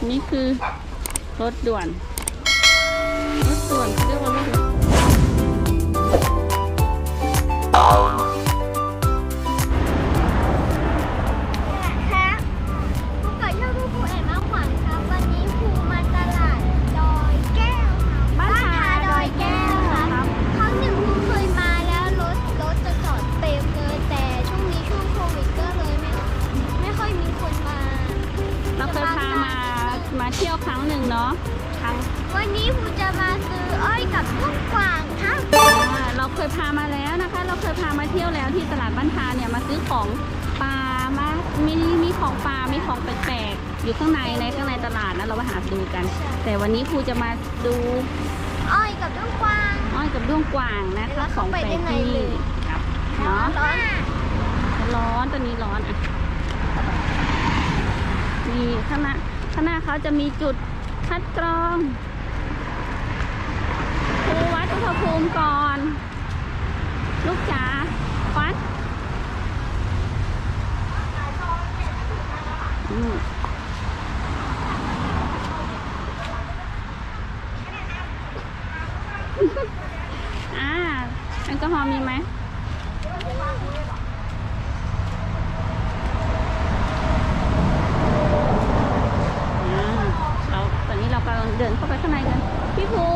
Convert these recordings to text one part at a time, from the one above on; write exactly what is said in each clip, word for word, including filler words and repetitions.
นี่คือรถด่วนรถด่วนเรียกว่ารถด่วนครับครูเกิดชื่อครูครูเอ็มมาขวัญครับวันนี้ครูมาตลาดดอยแก้วครับบ้านทาดอยแก้วครับครั้งหนึ่งครูเคยมาแล้วรถรถจะจอดเต็มเลยแต่ช่วงนี้ช่วงโควิดก็เลยไม่ไม่ค่อยมีคนมาเราเคยพามามาเที่ยวครั้งหนึ่งเนาะครั้งวันนี้ครูจะมาซื้ออ้อยกับลูกกวางครับอ่าเราเคยพามาแล้วนะคะ เราเคยพามาเที่ยวแล้วที่ตลาดบ้านทาเนี่ยมาซื้อของปลามามีมีของปลามีของแปลกๆอยู่ข้างในในข้างในตลาดนะเราไปหาดูกัน แต่วันนี้ครูจะมาดูอ้อยกับลูกกวางอ้อยกับด้วงกวางนะคะของแปลกที่นี่ครับเนาะร้อนร้อนตอนนี้ร้อนอ่ะนี่ข้างหน้าข้างหน้าเขาจะมีจุดคัดกรองครูวัดอุณหภูมิก่อน ลูกจ๋าวัดอืมอ่าแอลกอฮอล์มีไหมอ่าเราตอนนี้เรากำลังเดินเข้าไปข้างในกันพี่ภู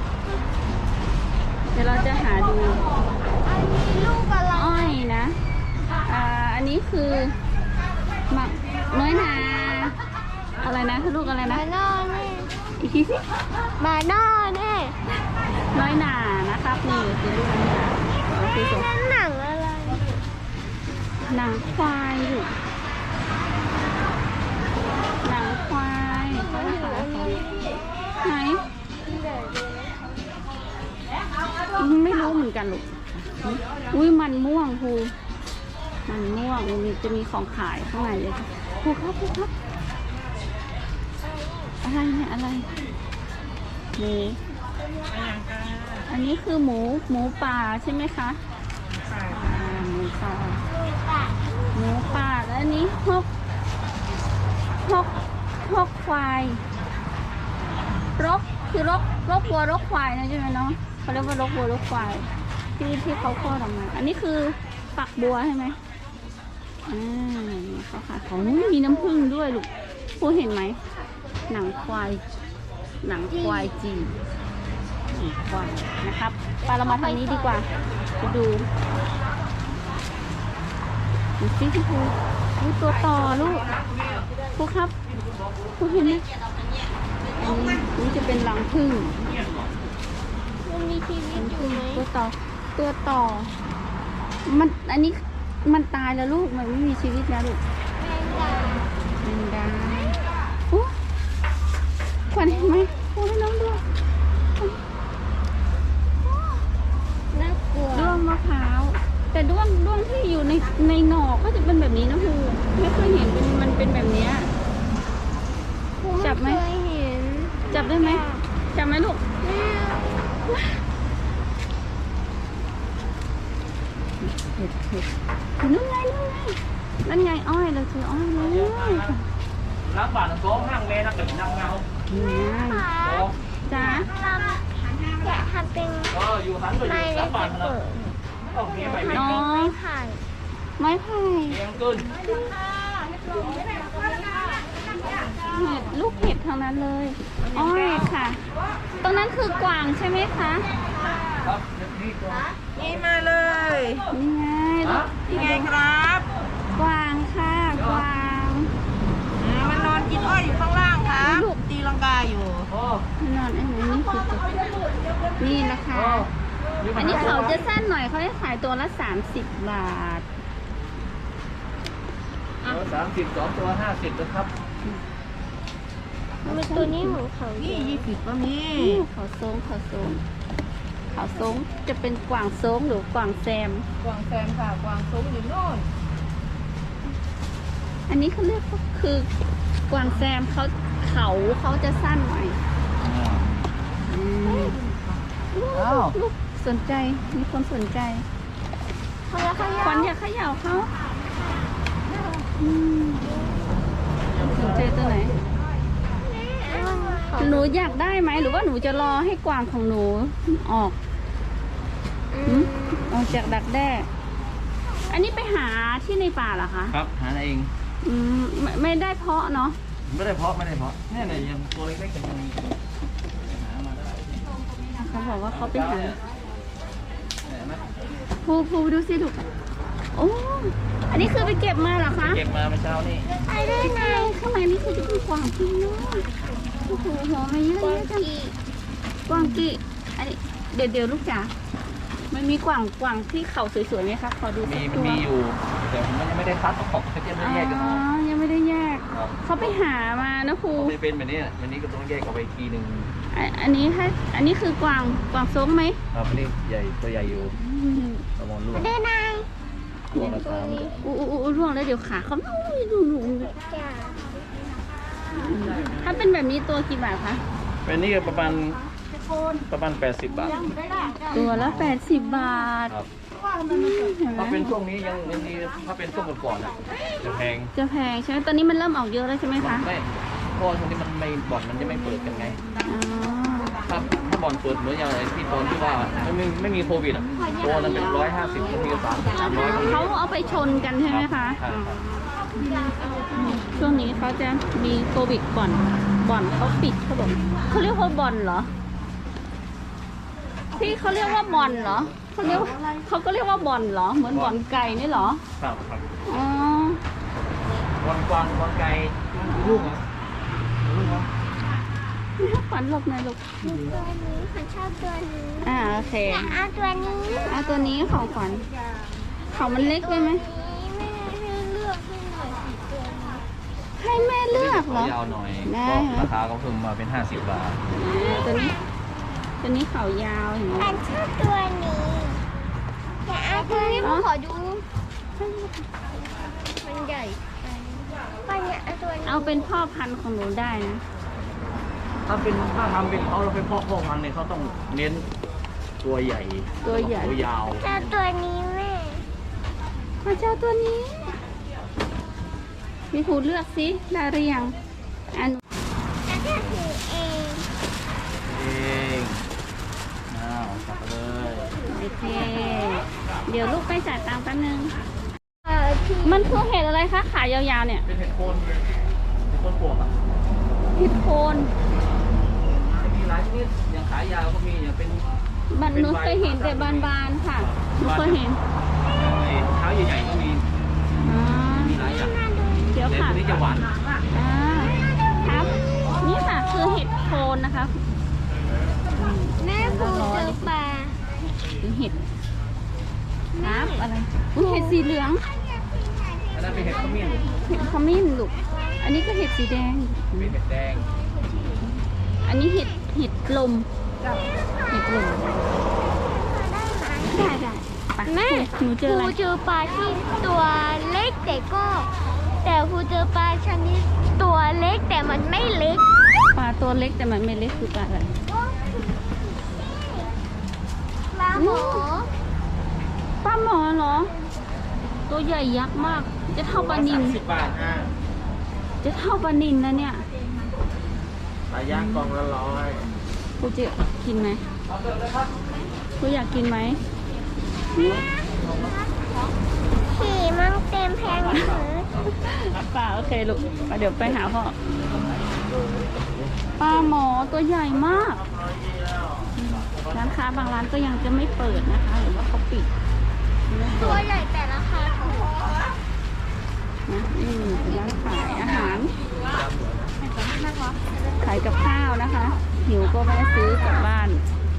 เดี๋ยวเราจะหาดูอันนี้ลูกอะไรอ้อยนะ อ่า อันนี้คือมะน้อยนา อะไรนะคือลูกอะไรนะบานอเน่อีกทีสิบานอเน่น้อยนานะครับ นี่คือลูกน้อยนาโอเคส่งนั่นหนังอะไรหนังควายลูกหนังควายเขาจะขายเขาไหนไม่รู้เหมือนกันลูกอุ้ยมันม่วงครูมันม่วงมันมีจะมีของขายข้างในเลยค่ะครูครับครูครับอะไรเนี่ยอะไรนี่อันนี้คือหมูหมูป่าใช่ไหมคะอ่าหมูป่าหมูป่าแล้วอันนี้ฮกฮกฮกควายรกคือรกรกวัวรกควายนะใช่ไหมเนาะเขาเรียกว่ารกวัวรกควายที่ที่เขาคลอดออกมาอันนี้คือฝักบัวใช่ไหมอ่านี่เขาค่ะเขามีน้ำผึ้งด้วยลูกผู้เห็นไหมหนังควายหนังควายจีนหนังควายนะครับไปเรามาทางนี้ดีกว่าไปดูดูสิพี่ภูดูตัวต่อลูกครูครับครูเห็นไหมอันนี้นี่จะเป็นรังผึ้งมันมีชีวิตอยู่ไหมตัวต่อตัวต่อ มันอันนี้มันตายแล้วลูกมันไม่มีชีวิตแล้วลูกแมงดาแมงดาโอ้ขวัญเห็นไหมโอ้ให้น้องดูน่ากลัวด้วงมะพร้าวแต่ด้วงด้วงที่อยู่ในในหน่อก็จะเป็นแบบนี้นะครูไม่เคยเห็นเป็นมันเป็นแบบเนี้ยครูจับไหมเคยเห็นจับได้ไหมจับไหมลูกแม่เห็ดเห็ดนู่นไงนู่นไงนั่นไงอ้อยเราเจออ้อยเลย Lát bạn là có hàng nghe nó tỉnh năng nhau นี่ไงค่ะ Có จ้าทำแกะทำเป็น Ờ, dù hắn rồi ไม้ dù เล็ các ก bạn เปิ là ด Không, nghe mày มัน mày เป็นไม้ไผ่ไม้ไผ่ Nghe ăn cơn เห็ดลูกเห็ดทางนั้นเลยอ้อยค่ะ ตรงนั้นคือกวางใช่ไหมคะ Không, đi qua นี่มาเลยนี่ไงลูกนี่ไงครับกวางค่ะกวางอ่ามันนอนกินอ้อยอยู่ข้างล่างครับลูกตีลังกาอยู่ Ờ, นอนไอ้ไหนนี่คือตัวนี่นะคะ ờ Nhưng อัน mà นี้ nó เขา có จะสั้นหน่อยเขาจะขายตัวละสามสิบบาท Ờ, tám mươi cóตัวห้าสิบนะครับมันตัวนี้ของเขานี่ยี่สิบก็มีนี่เขาโซงเขาโซงเขาโซงจะเป็นกวางโซงหรือกวางแซมกวางแซมค่ะ กวางซุ้มอยู่โน่นอันนี้เขาเรียกว่าคือกวางแซมเขาเขาเขาจะสั้นหน่อยอืมอ้าวลูกสนใจมีคนสนใจเขาแล้วเขาขวัญอย่าเขย่าเขาอืมสนใจตัวไหนแม่หนูอยากได้ไหมหรือว่าหนูจะรอให้กวางของหนูออกอืหืมมออกจากดักแด้อันนี้ไปหาที่ในป่าเหรอคะครับหาเองอืมไม่ไม่ได้เพาะเนาะไม่ได้เพาะไม่ได้เพาะเนี่ยเนี่ยยังตัวเล็กๆยังมีหามาได้เขาบอกว่าเขาไปหาเห็นไหมภูภูดูสิลูกโอ้อันนี้คือไปเก็บมาเหรอคะเก็บมาเมื่อเช้านี่ไปได้ไงข้างในนี่คือจะเป็นกวางจริงเนาะโอ้โหหัวมันเยอะแยะจังกวางกีอันนี้เดี๋ยวเดี๋ยวลูกจ๋ามันมีกวางกวางที่เขาสวยๆไหมคะขอดูสัมีกมันตัวมีอยู่แต่ผมยังไม่ได้คัดออกเขาจะไม่อ๋แยกกันออกอยังไม่ได้แยกครับเขาไปหามานะครูเขาไม่เป็นแบบนี้วันนี้ก็ต้องแยกออกไปอีกทีหนึ่งอันอันนี้ถ้าอันนี้คือกวางกวางส้มไหมครับอันนี้ใหญ่ตัวใหญ่อยู่อืมประมอนลูกได้ไงตัวละสามอู้อู้อู้ร่วงแล้วเดี๋ยวขาเขาอุ้ยดูดูดูจ้ะถ้าเป็นแบบนี้ตัวกี่บาทคะเป็นนี่ก็ประมาณประมาณแปดสิบบาทตัวละแปดสิบบาทครับเห็นไหมถ้าเป็นช่วงนี้ยังยังดีถ้าเป็นช่วงก่อนๆอ่ะจะแพงจะแพงใช่ไหมตอนนี้มันเริ่มออกเยอะแล้วใช่ไหมคะไม่เพราะว่าช่วงนี้มันไม่บ่อนมันจะไม่เปิดกันไงอ๋อถ้าถ้าบ่อนเปิดเหมือนอย่างไรที่ตอนที่ว่าไม่มีไม่มีโควิดอ่ะตัวนั้นเป็นร้อยห้าสิบบางทีก็สามสามร้อยเขาเอาไปชนกันใช่ไหมคะใช่ครับช่วงนี้เขาจะมีโควิดบ่อนบ่อนเขาปิดเขาบอกเขาเรียกว่าบ่อนเหรอพี่เขาเรียกว่าบ่อนเหรอเขาเรียกว่าเขาก็เรียกว่าบ่อนเหรอเหมือนบ่อนไก่นี่เหรอครับครับอ๋อบอลกวางบอลไก่ลูกเหรอลูกเหรอฝันหลบหน่อยลูกตัวนี้ฉันชอบตัวนี้อ่าโอเคอยากเอาตัวนี้เอาตัวนี้ของขวัญเขามันเล็กไปไหมแม่ให้เลือกให้หน่อยสิตัวนี้ให้แม่เลือกเหรอยาวหน่อยได้ก็ราคาก็เพิ่มมาเป็นห้าสิบบาทอ่าตัวนี้ ตัวนี้เขายาวเห็นไหมฉันชอบตัวนี้อยากเอาตัวนี้มาขอดู มันใหญ่ไปเนี่ยเอาตัวนี้เอาเป็นพ่อพันธุ์ของหนูได้นะถ้าเป็นถ้าทำเป็นเขาเราเป็นพ่อพ่อพันธุ์เนี่ยเขาต้องเน้นตัวใหญ่ตัวใหญ่ตัวยาวเจ้าตัวนี้แม่มาเจ้าตัวนี้มีครูเลือกสิได้หรือยังอันแล้วก็ถือเองเองอ้าวจับไปเลยโอเค เดี๋ยวลูกไปจ่ายตังค์แป๊บนึงเออที่มันคือเห็ดอะไรคะ ขายาวๆเนี่ยเป็นเห็ดโคนเห็ดโคนปลวกอ่ะเห็ดโคนมีหลายชนิดอย่างขายยาวก็มีอย่างเป็นบันหนูเคยเห็นแต่บานๆค่ะหนูเคยเห็นไอ้เท้าใหญ่ๆก็มีอ๋อมีหลายอย่างเดี๋ยวแต่ค่ะตัวนี้จะหวานอ่าครับ นี่ค่ะคือเห็ดโคนนะคะแม่ผูเจอปลาคือเห็ดครับอะไรอุ้ยเห็ดสีเหลืองอันนั้นเป็นเห็ดขมิ้นเห็ดขมิ้นลูก อันนี้ก็เห็ดสีแดงเป็นเห็ดแดงอันนี้เห็ดเห็ดลมเห็ดลมได้ได้ไปแม่หนูเจออะไรผูเจอปลาที่ตัวเล็กแต่ก็ แต่ผูเจอปลาชนิดตัวเล็กแต่มันไม่เล็กปลาตัวเล็กแต่มันไม่เล็กคือปลาอะไรปลาหมอปลาหมอเหรอ ตัวใหญ่ยักษ์มาก จะเท่าปลานิลสิบบาทอ่ะจะเท่าปลานิลนะเนี่ยปลาย่างกล่องละร้อยกูจะกินไหมกูอยากกินไหมขี่มันเต็มแพงเลยป่าโอเคลูกเดี๋ยวไปหาพ่อปลาหมอตัวใหญ่มากร้านค้าบางร้านก็ยังจะไม่เปิดนะคะหรือว่าเขาปิดตัวใหญ่แต่ราคาถูกนะนี่เป็นร้านขายอาหารขายกับข้าวนะคะ หิวก็แวะซื้อกลับบ้าน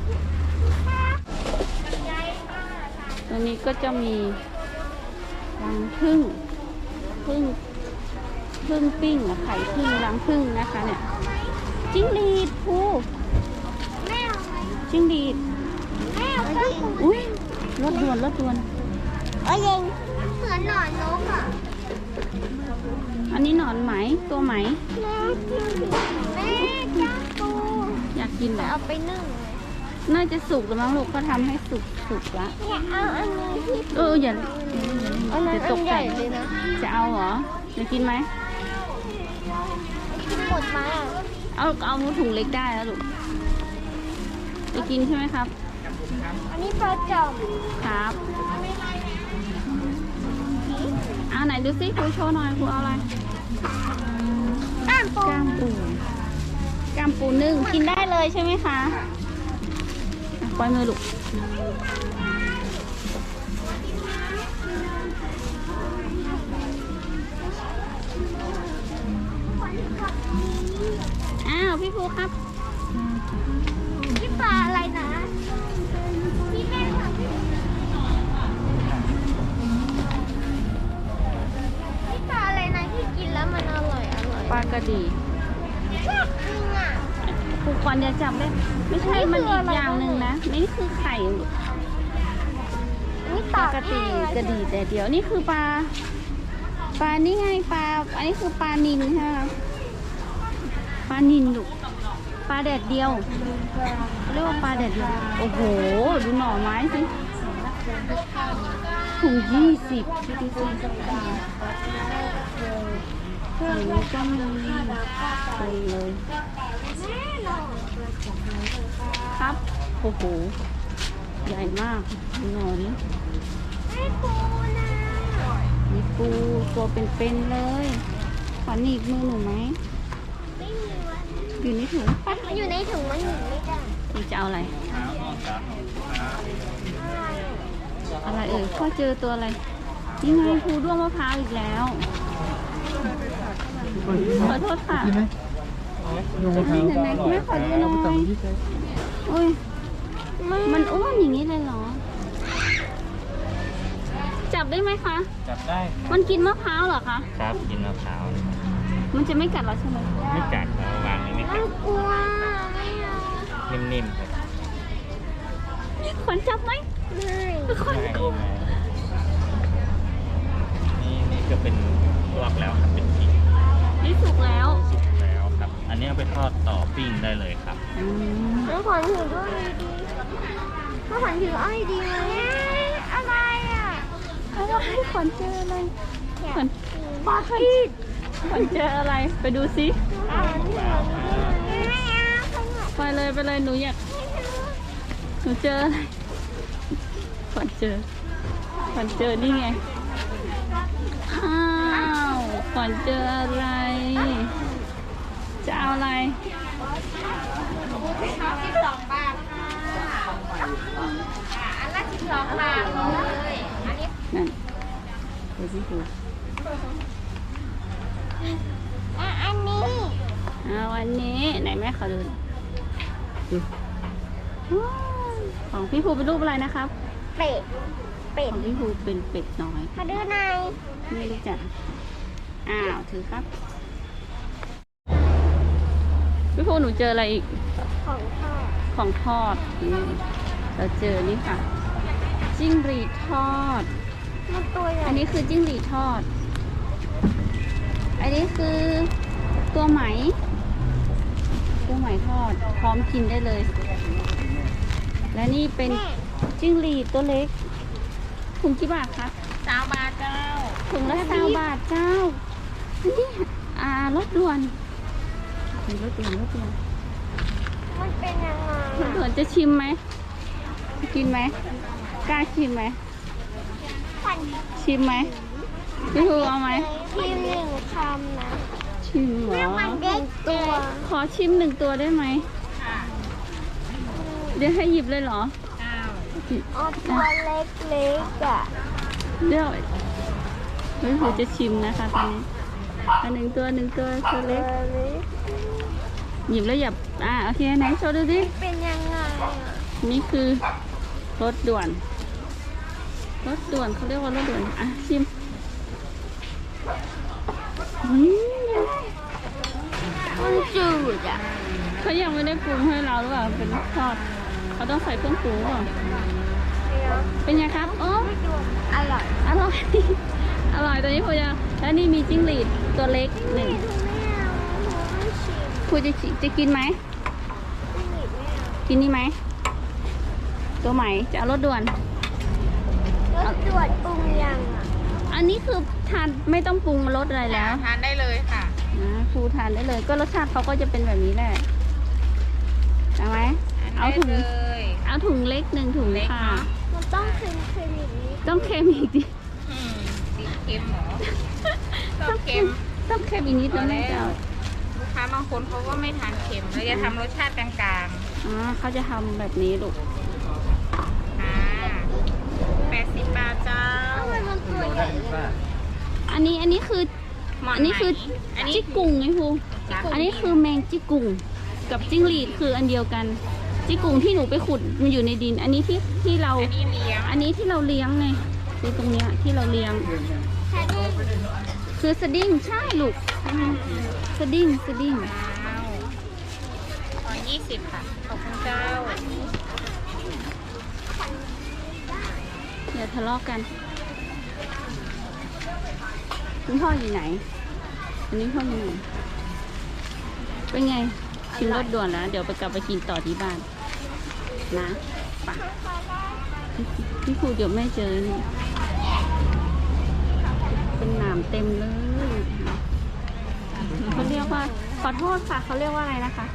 ตรงนี้ก็จะมีรังผึ้งผึ้งผึ้งปิ้งอะไข่ผึ้งรังผึ้งนะคะเนี่ยจิ้งหรีดพูแม่เอาไหมจิ้งหรีดแม่เอาไปอุ้ยรถด่วนรถด่วนเอ้ยยังเหมือนหนอนนกอ่ะอันนี้หนอนไหมตัวไหมแม่กินแม่จ้าปูอยากกินเหรอเอาไปนึ่งน่าจะสุกแล้วมั้งลูกก็ทำให้สุกสุกละอยากเอาอันนี้ที่เอออย่าอันนั้นจะตอักนใหใจญ่เลยนะจะเอาเหรอจะกินไหมกินหมดไหมอ่ะเอาเอาถุงเล็กได้แล้วลูกจะกินใช่ไหมครับอันนี้ปลาจอมครับเอาไหนดูซิครูโชว์หน่อยครูเอาอะไรก้ามปูก้ามปูก้ามปูนึ่งกินได้เลยใช่ไหมคะอ่ะปล่อยมือลูกอ้าวพี่ภูครับนี่ปลาอะไรนะพี่แม่ค่ะนี่ปลาอะไรนะที่กินแล้วมันอร่อยอร่อยปลากระดีชอบจริงอ่ะครูควันอย่าจับเลยไม่ใช่มันอีกอย่างหนึ่งนะนี่คือไข่ลูกนี่ปปลาลากระตีกระดีแต่เดียวนี่คือปลาปลานี่ไงปลาอันนี้คือปลานิลใช่ไหมคะปลานิลลูกปลาแดดเดียวเรียกว่าปลาแดดเดียวโอ้โหดูหน่อไม้สิถุงยี่สิบที่ที่สิบถุงนี้ก็มีเต็มเลยครับโอ้โหใหญ่มากดูหน่อนี้ไม่ปูนะมีปูตัวเป็นๆเลยขอหนีบมือหนูไหมไม่มีวันอยู่ในถุงมันอยู่ในถุงมันหนีไม่ได้หนูจะเอาอะไร อะไรเอ่ยพ่อเจอตัวอะไรยังไงภูด้วงมะพร้าวอีกแล้ว ขอโทษค่ะไหนไหนๆแม่ขอดูหน่อยโอ้ยมันอ้วนอย่างนี้เลยเหรอ จับได้ไหมคะจับได้มันกินมะพร้าวเหรอคะครับกินมะพร้าวมันจะไม่กัดเราใช่ไหมไม่กัดเราวางเลยไม่กัน่าดกลัวไม่เอานิ่มๆครับขวัญจับไหมไม่ขวัญกลัวนี่นี่ก็เป็นลวกแล้วครับเป็นพริกนี่สุกแล้วสุกแล้วครับ อันนี้เอาไปทอดต่อปิ้งได้เลยครับอืมน้องขวัญถือด้วยดีน้องขวัญถืออ้อยดีไหมอะไรอ่ะอะไรขวัญเจออะไรขวัญปลากีดขวัญเจออะไร ไปดูซิไม่เอาขวัญไปเลยไปเลยหนูอยากหนูเจออะไรขวัญเจอขวัญเจอนี่ไงอ้าวขวัญเจออะไร จะเอาอะไรสิบสองบาทค่ะอันละสิบสองบาทเลยอันนี้นั่นดูสิดูอ่ะอันนี้เอาวันนี้ไหนแม่ขอดูดูว้าวของพี่ภูเป็นรูปอะไรนะครับเป็ด เป็ขดองพี่ภูเป็นเป็ดน้อยมาดูหน่อยไม่รู้จักอ้าวถือครับพี่ภูหนูเจออะไรอีกของทอดของทอดนี่เราเจอนี่ค่ะ จิ้งหรีดทอดมันตัวใหญ่อันนี้คือจิ้งหรีดทอด อันนี้คือตัวไหม ตัวไหมทอด พร้อมกินได้เลย และนี่เป็นจิ้งหรีดตัวเล็กถุงกี่บาทคะสามบาทเจ้าถุงละสามบาทเจ้าอันนี้อ่ารถด่วนมีรถด่วนรถด่วนมันเป็นยังไงรถด่วนจะชิมไหม กินไหม กล้าชิมไหมขวัญชิมไหมพี่ภูเอาไหมพิมพ์หนึ่งคำนะชิมเหรแม่อขวัญเด็กตัวขอชิมหนึ่งตัวได้ไหม เดี๋ยวให้หยิบเลยเหรออ๋อตัวเล็กๆอ่ะเดี๋ยวพี่ภูจะชิมนะคะตอนนี้อันหนึ่งตัวหนึ่งตัวตัวเล็ก หยิบแล้วหยับ อ่าโอเคไหนโชว์ดูสิเป็นยังไงอ่ะนี่คือรถด่วน รถด่วนเขาเรียกว่ารถด่วน อ่ะชิมอืมมันจืดอ่ะเขายังไม่ได้ปรุงให้เราหรือเปล่าเป็นทอด เขาต้องใส่เครื่องปรุงหรือเปล่าเป็นไงครับ โอ้อร่อยอร่อย อร่อยตัวนี้พูจะแล้วนี่มีจิ้งหรีดตัวเล็กหนึ่งไม่เอาไม่ชิมพูจะชิจะกินไหมไม่หนีไม่เอากินนี่ไหม ตัวใหม่จะเอารถด่วนรสด่วนปรุงยังอ่ะอันนี้คือทานไม่ต้องปรุงรสอะไรแล้วทานได้เลยค่ะอือ่าครูทานได้เลย ก็รสชาติเขาก็จะเป็นแบบนี้แหละเอาไหมเอาถุงเลยเอาถุงเล็กหนึ่งถุงค่ะมันต้องคืนคืนอย่างนี้ต้องเค็มอีกดิอืมติดเค็มเหรอต้องเค็มต้องเค็มอีกนิดแล้วแม่จะเอาลูกค้าบางคนเขาก็ไม่ทานเค็มเราจะทำรสชาติกลางอ๋อเขาจะทำแบบนี้ลูกๆค่ะแปดสิบบาทเจ้าทำไมมันตัวใหญ่เลยอันนี้อันนี้คือหมอนอันนี้คืออันนี้จิกกุ่งไงครูจ้ะอันนี้คือแมงจิกกุ่งกับจิ้งหรีดคืออันเดียวกัน จิกกุ่งที่หนูไปขุดมันอยู่ในดิน อันนี้ที่ที่เราอันนี้เลี้ยงอันนี้ที่เราเลี้ยงไงคือตรงเนี้ยที่เราเลี้ยงใช่ดิคือสดิ้งใช่ลูกสดิ้งสดิ้งว้าวขอยี่สิบค่ะ ขอบคุณเจ้าอย่าทะเลาะกันคุณพ่ออยู่ไหน อันนี้พ่ออยู่ไหนเป็นไงชิมรสด่วนแล้ว เดี๋ยวไปกลับไปกินต่อที่บ้านนะไปะพี่ครูเดี๋ยวแม่เจอนี่เป็นหนามเต็มเลยเขาเรียกว่าขอโทษค่ะเขาเรียกว่าอะไรนะคะ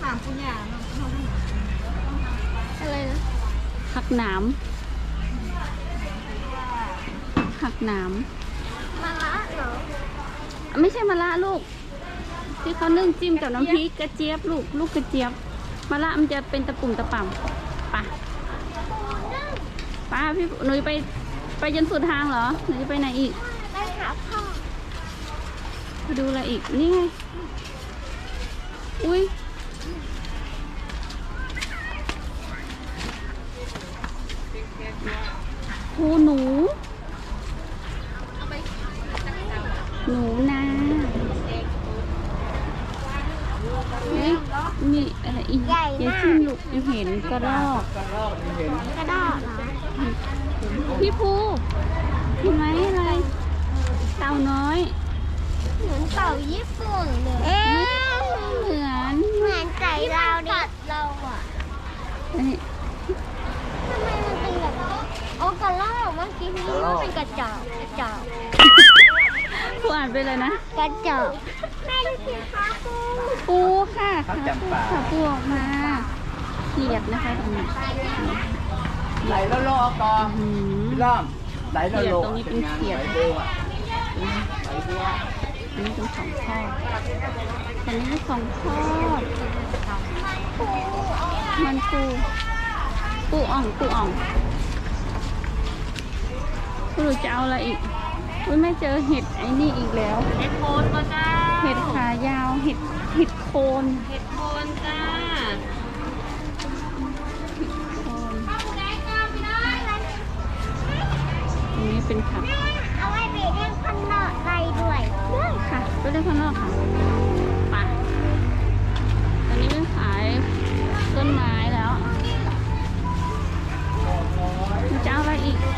อะไรนะหักหนามหักหนามมะระเหรอไม่ใช่มะระลูก ที่เขานึ่งจิ้มกับน้ำพริกกระเจี๊ยบลูกลูกกระเจี๊ยบมะระมันจะเป็นตะปุ่มตะป่ำป่ะป้าพี่หนูไปไปจนสุดทางเหรอหนูจะไปไหนอีกไปหาพ่อไปดูอะไรอีกนี่ไงอุ้ยโหหนู หนูนาเฮ้ยมีอะไรอีกอย่าชิมลูกยังเห็นกระรอกกระดอกเหรอพี่ภูเห็นไหมอะไร เต่าน้อยเหมือนเต่าญี่ปุ่นเลยเอ๊ะเหมือนเหมือนไก่เราดิเราอ่ะเอ้ยทำไมมันเป็นแบบโอ้กระรอกเมื่อกี้พี่ว่าเป็นกระจอกกระจอกภูอ่านไปเลยนะกระจอกแม่ดูสิคะครูปูค่ะค่ะปูออกมาเขียดนะคะตรงนี้ไหลแล้วโลกออืมพี่ล้อมไหลแล้วโลตรงนี้เป็นเขียดไหลบัวไหลบัวอันนี้เป็นของทอดอันนี้เป็นของทอดมันปูปูอ่องปูอ่องคุณหนูจะเอาอะไรอีกอุ้ยไม่เจอเห็ดไอ้นี่อีกแล้วเห็ดโคนก็เจ้าเห็ดขายาว เห็ดเห็ดโคนเห็ดโคนจ้าโคนตรงนี้เป็นผักเอาไว้ไปเล่นข้างนอกได้ด้วยได้ค่ะไปเล่นข้างนอกค่ะไปตอนนี้เป็นขายต้นไม้แล้วจะเอาอะไรอีก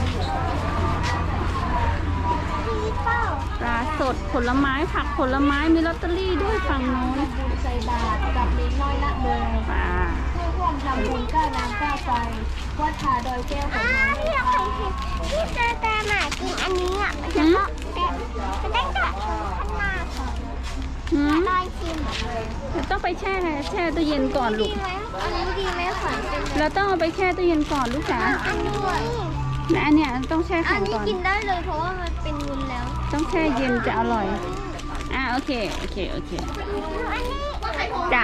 พี่เป้าปลาสดผลไม้ผักผลไม้มีลอตเตอรี่ด้วยฝั่งโน้นใส่บาตรกับเล็กน้อยละเบอร์ปลาเพื่อร่วมทำบุญก้าวน้ำก้าวไฟวัดผาดอยแก้วของน้องพี่เคยเห็นพี่เจอแต่หมากินอันนี้อ่ะมันจะก็แต่จะได้กระโดดข้างหน้าก่อนหืมได้ชิมต้องไปแช่แช่ตู้เย็นก่อนลูดีกไหมอันนี้ดีไหมขวัญเป็นเราต้องเอาไปแช่ตู้เย็นก่อนลูกจ๋าอันนี้และอันเนี้ยต้องแช่อัแข็นงนี้ก่อนกินได้เลยเพราะว่ามันเป็นวุ้นแล้วต้องแช่เย็นจะอร่อย อ่ะโอเค โอเค โอเคอันนี้จ้ะ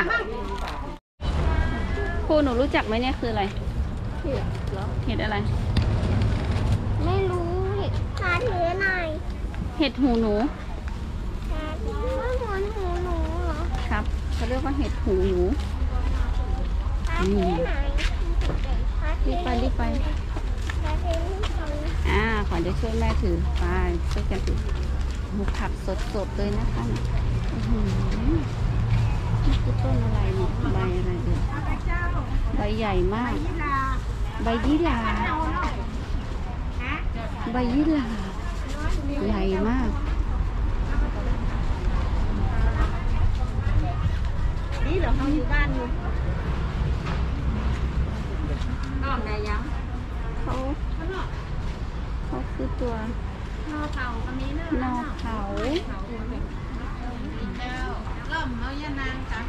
ครูหนูรู้จักไหมเนี่ยคืออะไร เห็ดอะไรไม่รู้เห็ดหาถือหน่อยเห็ดหูหนูหาถือว่าเหมือนหูหนูเหรอครับเขาเรียกว่าเห็ดหูหนูหาถือหน่อยหาถืรีอบไปรีบไปหาถือหน่อยอ่าขอจะช่วยแม่ถือไปช่วยกันถือหมูผักสดๆเลยนะคะอื้อหือนี่คือต้นอะไรเนี่ยใบอะไรเอ่ยใบใหญ่มาก ใบยี่หร่าใบยี่หร่าใหญ่มากนี่เหรอเขาอยู่บ้านอยู่นอกได้ยังเขาเขาคือตัวนอเผาก็มีเนอะนอเขาเผาเจ้าเริ่มเอายานางจ้ะ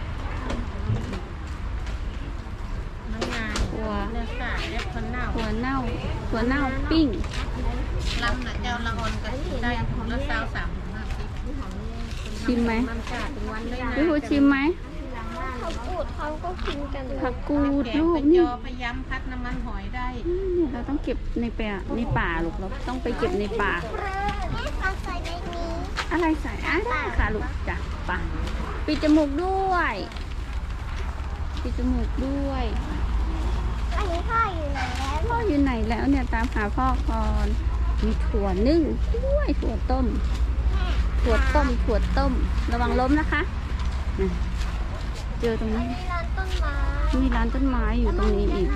มะนาวถั่วเนื้อขาเรียกคนเน่าถั่วเน่าถั่วเน่าปิ้งลำน่ะเจ้าละอ่อนก็ได้ถุงละสาวสามถุงห้าสิบชิมไหมมันกาดเป็นวันได้นะพี่ภูชิมไหมเขาพูดเขาก็กินกันผักกูดแกงลูกเป็นนี่จอพยายามพัดน้ำมันหอยได้เนี่ยเราต้องเก็บในป่าในป่าลูกเราต้องไปเก็บในป่าแม่ฟังใส่ในนี้อะไรใส่อ่ะได้ค่ะลูกจ้ะไป่ะปิดจมูกด้วยปิดจมูกด้วยอันนี้พ่ออยู่ไหนแล้วพ่ออยู่ไหนแล้วเนี่ยตามหาพ่อก่อนมีถั่วนึ่งด้วยถั่วต้ม ถั่วต้มถั่วต้ม ระวังล้มนะคะน่ะเจอตรงนี้มีร้านต้นไม้มีร้านต้นไม้อยู่ตรงนี้อีก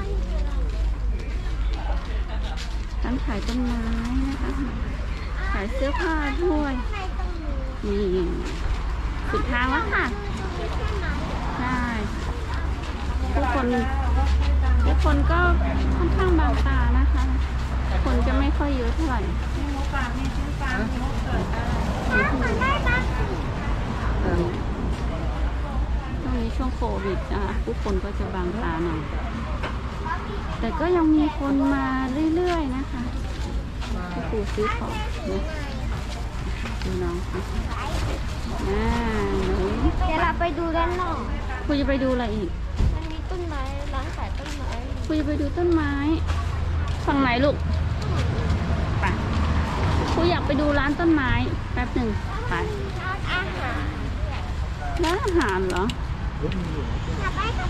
ร้านขายต้นไม้นะคะขายเสื้อผ้าด้วยในตรงนี้นี่สุดทางแล้วค่ะมีแค่ไหนใช่ทุกคนทุกคนก็ค่อนข้างบางตานะคะ คนจะไม่ค่อยเยอะเท่าไหร่มีหมูป่ามีชิ้นปลามีหมูเกิดได้ถ้ามันได้บ้างสิเออช่วงนี้ช่วงโควิดนะคะทุกคนก็จะบางตาหน่อยแต่ก็ยังมีคนมาเรื่อยๆนะคะที่ปู่ซื้อของนะดูน้องค่ะอ่าหนูเดี๋ยวเราไปดูด้านนอกปู่จะไปดูอะไรอีกมันมีต้นไม้ร้านขายต้นไม้ปู่จะไปดูต้นไม้ฝั่งไหนลูกไปปู่อยากไปดูร้านต้นไม้แป๊บหนึ่งไปร้านอาหารร้านอาหารเหรออยากไปก็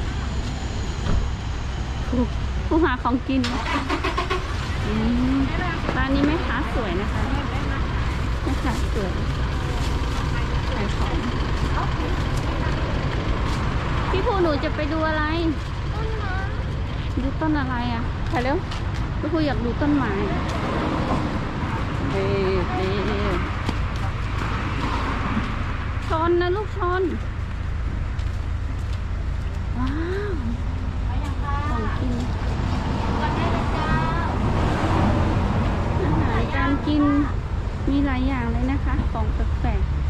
ผู้ผู้หาของกินอืมร้านนี้แม่ค้าสวยนะคะแม่ค้าสวยขายของพี่ผู้หนูจะไปดูอะไรต้นไม้ดูต้นอะไรอ่ะไปเร็วพี่ผู้อยากดูต้นไม้เฮ้เฮ้ชนนะลูกชนว้าวของกินวันได้เลยจ้าอาหารการกินมีหลายอย่างเลยนะคะ ของแปลกๆ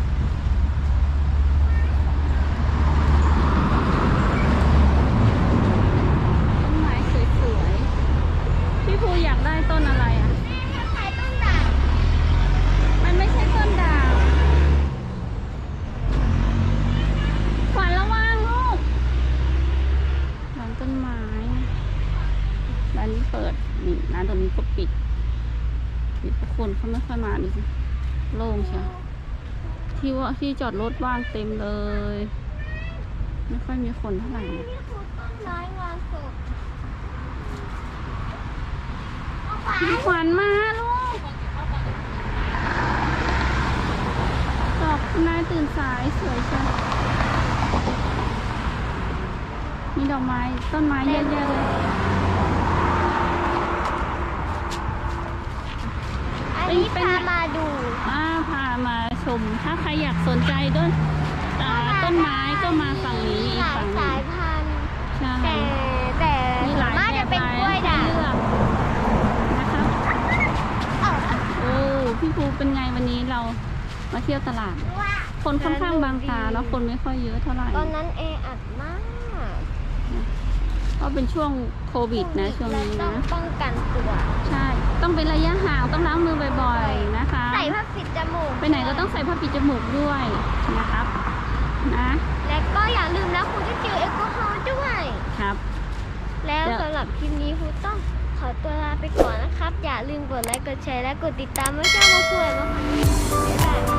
ต้นไม้สวยๆพี่ภูอยากได้ต้นอะไรอ่ะแม่มาขายต้นด่างมันไม่ใช่ต้นด่างขวัญระวังลูกร้านต้นไม้ร้านนี้เปิดนี่ร้านตรงนี้ก็ปิดปิดเพราะคนเขาไม่ค่อยมาดูสิโล่งใช่ที่ว่าที่จอดรถว่างเต็มเลย ไม่ค่อยมีคนเท่าไหร่นะนี่คือต้นไม้งานศพเอาไปพี่ขวัญมาลูกดอกนายตื่นสายสวยจังมีดอกไม้ต้นไม้เยอะแยะเลยอันนี้พามาดูอ่าพามาชม ถ้าใครอยากสนใจต้นอ่าต้นไม้ก็มาฝั่งนี้อีหกลายฝั่งหนึสาง ยพันธุ์ใช่แต่แต่มีหส่วลาน ยมากแบจะบเป็นหลายกล้วยให้ด่างเลือกนะคะเอ้าโอ้พี่ภูเป็นไงวันนี้เรามาเที่ยวตลาดว่าคนค่อนข้างบางตาเนาะคนไม่ค่อยเยอะเท่าไหร่ตอนนั้นเออัดมากก็เป็นช่วงโควิดนะช่วงนี้และต้อนะงป้องกันตัวใช่ ต้องเป็นระยะห่างต้องล้างมือบ่อยๆนะคะใส่ผ้าปิดจมูกไปไหนก็ต้องใส่ผ้าปิดจมูกด้วยนะครับนะและก็อย่าลืมนะคุณจะเจลแอลกอฮอล์ด้วยครับแล้วเดี๋ยวสำหรับคลิปนี้คุณต้องขอตัวลาไปก่อนนะครับ อย่าลืมกดไลค์กดแชร์และกดติดตามไม่ใช่มาคุยมาค่ะบ๊ายบาย